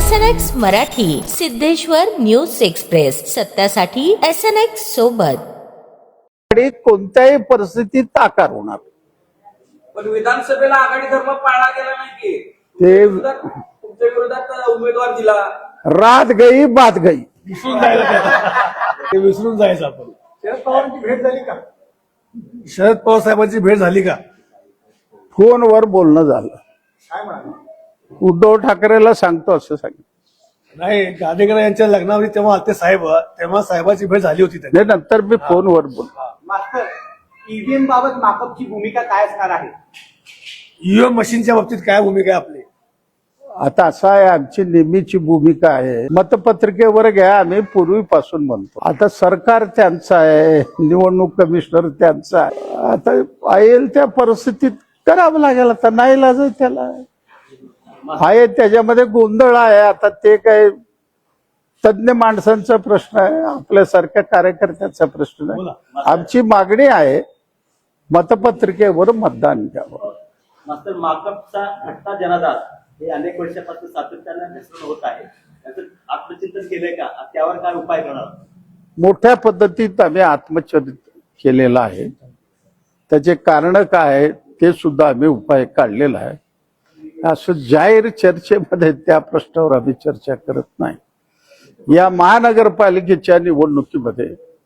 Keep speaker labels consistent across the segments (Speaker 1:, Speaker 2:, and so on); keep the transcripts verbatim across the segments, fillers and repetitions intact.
Speaker 1: S N X Marathi, Siddheshwar news express, सत्यासाठी S N X सोबत.
Speaker 2: कोणत्याही परिस्थितीत आकार होणार.
Speaker 3: पण विधानसभेला आघाडी धर्म पाळला गेला नाही की
Speaker 2: ते
Speaker 3: तुमच्या विरोधात उमेदवार दिला.
Speaker 2: रात गई बात गई.
Speaker 4: विसरून जायचं ते विसरून जायचं आपण.
Speaker 5: शरद पवारांची भेट झाली का?
Speaker 4: शरद पवार साहेबांची भेट झाली का?
Speaker 2: फोनवर बोलणं झालं.
Speaker 5: काय म्हणाले?
Speaker 2: उद्धव ठाकरेला सांगतो असं सांगितलं.
Speaker 4: नाही, गाडेकर यांच्या लग्नावरी तेव्हा आलते साहेब, तेव्हा साहेबांची भेट झाली होती त्यांनी.
Speaker 2: नाही, नंतर मी फोनवर बोलतो.
Speaker 5: मास्तर, ईव्हीएम बाबत माकपची भूमिका काय असणार आहे?
Speaker 4: ईव्हीएम मशीनच्या बाबतीत काय भूमिका आहे आपली?
Speaker 2: आता असं आहे, आमची नेहमीची भूमिका आहे, मतपत्रिकेवर घ्या, आम्ही पूर्वीपासून म्हणतो. आता सरकार त्यांचं आहे, निवडणूक कमिशनर त्यांचा आहे. आता येईल त्या परिस्थितीत करावं लागेल. आता नाही लाज त्याला आहे, त्याच्यामध्ये गोंधळ आहे. आता ते काय तज्ञ माणसांचा प्रश्न आहे, आपल्यासारख्या कार्यकर्त्याचा प्रश्न आहे. आमची मागणी आहे मतपत्रिकेवर मतदान घ्यावं.
Speaker 6: मास्तर, माकपचा घटना जनाधार हे अनेक वर्षापासून सातत्याने मिश्रण होत आहे. त्याचं आत्मचिंतन केलंय का? त्यावर काय उपाय करणार?
Speaker 2: मोठ्या पद्धतीत आम्ही आत्मचरित केलेलं आहे. त्याचे कारण काय आहे ते सुद्धा आम्ही उपाय काढलेला आहे. असं जाहीर चर्चेमध्ये त्या प्रश्नावर आम्ही चर्चा करत नाही. या महानगरपालिकेच्या निवडणुकीमध्ये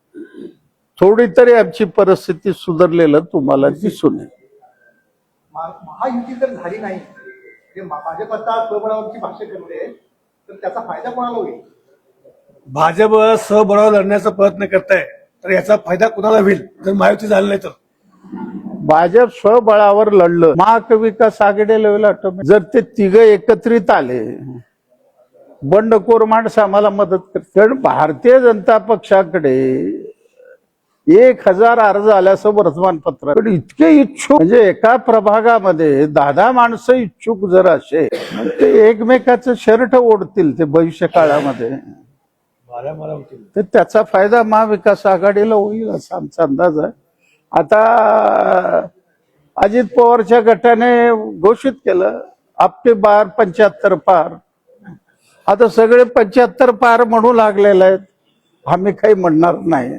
Speaker 2: थोडी तरी आमची परिस्थिती सुधारलेलं तुम्हाला दिसून येईल.
Speaker 5: महायुती जर झाली नाही, भाजप आता स्वबळावरची भाष्य करते, तर त्याचा फायदा कोणाला होईल?
Speaker 4: भाजप स्वबळावर लढण्याचा प्रयत्न करताय, तर याचा फायदा कुणाला होईल जर महायुती झाली नाही तर?
Speaker 2: भाजप स्वबळावर लढलं, महाविकास आघाडीला होईल ऑटोमॅटिक. जर ते तिघ एकत्रित आले, बंडखोर माणसं आम्हाला मदत करते. कारण भारतीय जनता पक्षाकडे एक हजार अर्ज आल्याचं वर्तमानपत्र, पण इतके इच्छुक, म्हणजे एका प्रभागामध्ये दहा दहा माणसं इच्छुक जर असे, ते एकमेकाचं शर्ट ओढतील ते भविष्य काळामध्ये, तर त्याचा फायदा महाविकास आघाडीला होईल असा आमचा अंदाज आहे. आता अजित पवारच्या गटाने घोषित केलं आपके बार पंच्याहत्तर पार. आता सगळे पंच्याहत्तर पार म्हणू लागलेले आहेत, आम्ही काही म्हणणार नाही.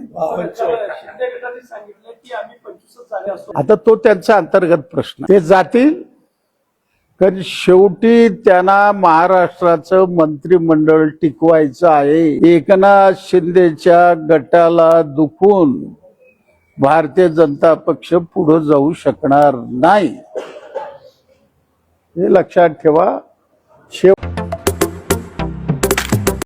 Speaker 2: आता तो त्यांचा अंतर्गत प्रश्न, ते जातील. कारण शेवटी त्यांना महाराष्ट्राचं मंत्रिमंडळ टिकवायचं आहे. एकनाथ शिंदेच्या गटाला दुखून भारतीय जनता पक्ष पुढे जाऊ शकणार नाही, हे लक्षात ठेवा. शेव